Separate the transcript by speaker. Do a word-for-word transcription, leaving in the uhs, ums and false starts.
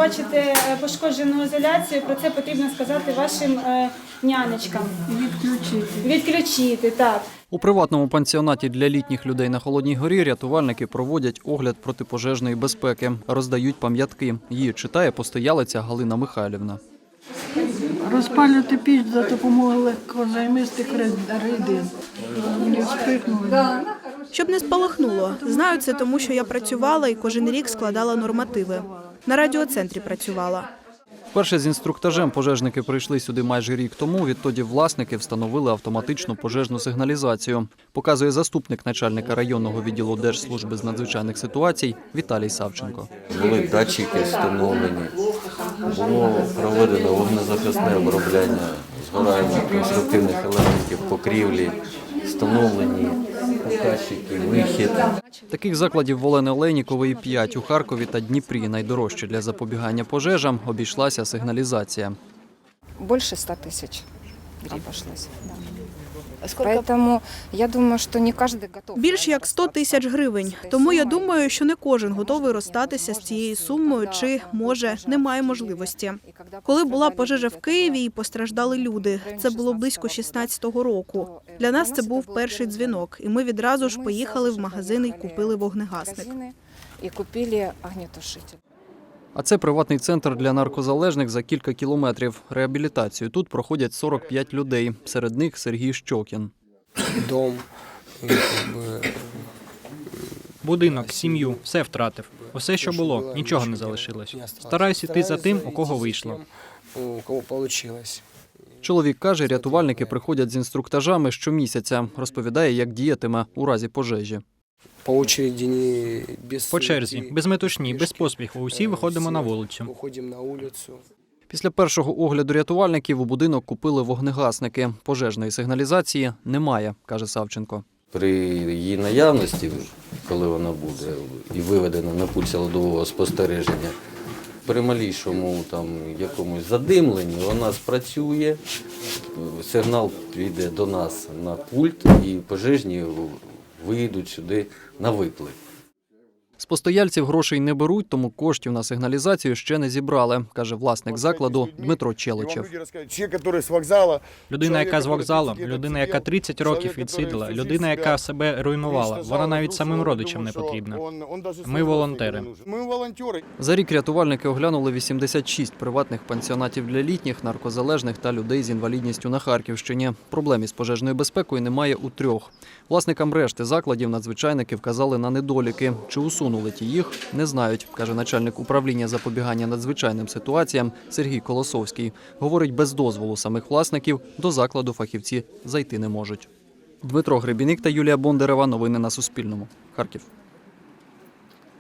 Speaker 1: бачите пошкоджену ізоляцію, про це потрібно сказати вашим нянечкам.
Speaker 2: Відключити.
Speaker 1: Відключити, так.
Speaker 3: У приватному пансіонаті для літніх людей на Холодній горі рятувальники проводять огляд протипожежної безпеки, роздають пам'ятки. Її читає постоялиця Галина Михайлівна.
Speaker 2: Розпалювати піч за допомогою легкозаймистих рідин. Не вспихнули.
Speaker 4: Щоб не спалахнуло. Знаю це тому, що я працювала і кожен рік складала нормативи. На радіоцентрі працювала.
Speaker 3: Вперше з інструктажем пожежники прийшли сюди майже рік тому. Відтоді власники встановили автоматичну пожежну сигналізацію. Показує заступник начальника районного відділу Держслужби з надзвичайних ситуацій Віталій Савченко.
Speaker 5: Були датчики встановлені, було проведено вогнезахисне обробляння згорання конструктивних елементів покрівлі, встановлені показчики, вихід.
Speaker 3: Таких закладів в Олени Олейнікової п'ять у Харкові та Дніпрі. Найдорожче для запобігання пожежам обійшлася сигналізація.
Speaker 6: Більше ста тисяч обійшлося. Тому я думаю, що не кожен готовий.
Speaker 4: Більш як сто тисяч гривень. Тому я думаю, що не кожен готовий розстатися з цією сумою чи, може, немає можливості. Коли була пожежа в Києві і постраждали люди, це було близько шістнадцятого року. Для нас це був перший дзвінок, і ми відразу ж поїхали в магазин і купили вогнегасник.
Speaker 6: І купили огнетушитель.
Speaker 3: А це приватний центр для наркозалежних за кілька кілометрів. Реабілітацію тут проходять сорок п'ять людей. Серед них Сергій Щокін.
Speaker 7: Дом,
Speaker 8: будинок, сім'ю, все втратив. Усе, що було, нічого не залишилось. Стараюсь іти за тим, у кого вийшло.
Speaker 7: у кого вийшло.
Speaker 3: Чоловік каже, рятувальники приходять з інструктажами щомісяця. Розповідає, як діятиме у разі пожежі.
Speaker 7: По очереді, не без
Speaker 8: По черзі, без метушні, без поспіху. Усі виходимо на вулицю.
Speaker 7: Виходимо на вулицю.
Speaker 3: Після першого огляду рятувальників у будинок купили вогнегасники. Пожежної сигналізації немає, каже Савченко.
Speaker 5: При її наявності, коли вона буде і виведена на пульт силового спостереження, при малійшому там якомусь задимленні вона спрацює, сигнал піде до нас на пульт і пожежні вийдуть сюди на виклик.
Speaker 3: З постояльців грошей не беруть, тому коштів на сигналізацію ще не зібрали, каже власник закладу Дмитро Челичев.
Speaker 8: Людина, яка з вокзалу, людина, яка тридцять років відсиділа, людина, яка себе руйнувала, вона навіть самим родичам не потрібна. Ми волонтери.
Speaker 3: За рік рятувальники оглянули вісімдесят шість приватних пансіонатів для літніх, наркозалежних та людей з інвалідністю на Харківщині. Проблем із пожежною безпекою немає у трьох. Власникам решти закладів надзвичайники вказали на недоліки. Чи усунули ті їх, не знають, каже начальник управління запобігання надзвичайним ситуаціям Сергій Колосовський. Говорить, без дозволу самих власників до закладу фахівці зайти не можуть. Дмитро Гребіник та Юлія Бондарева. Новини на Суспільному. Харків.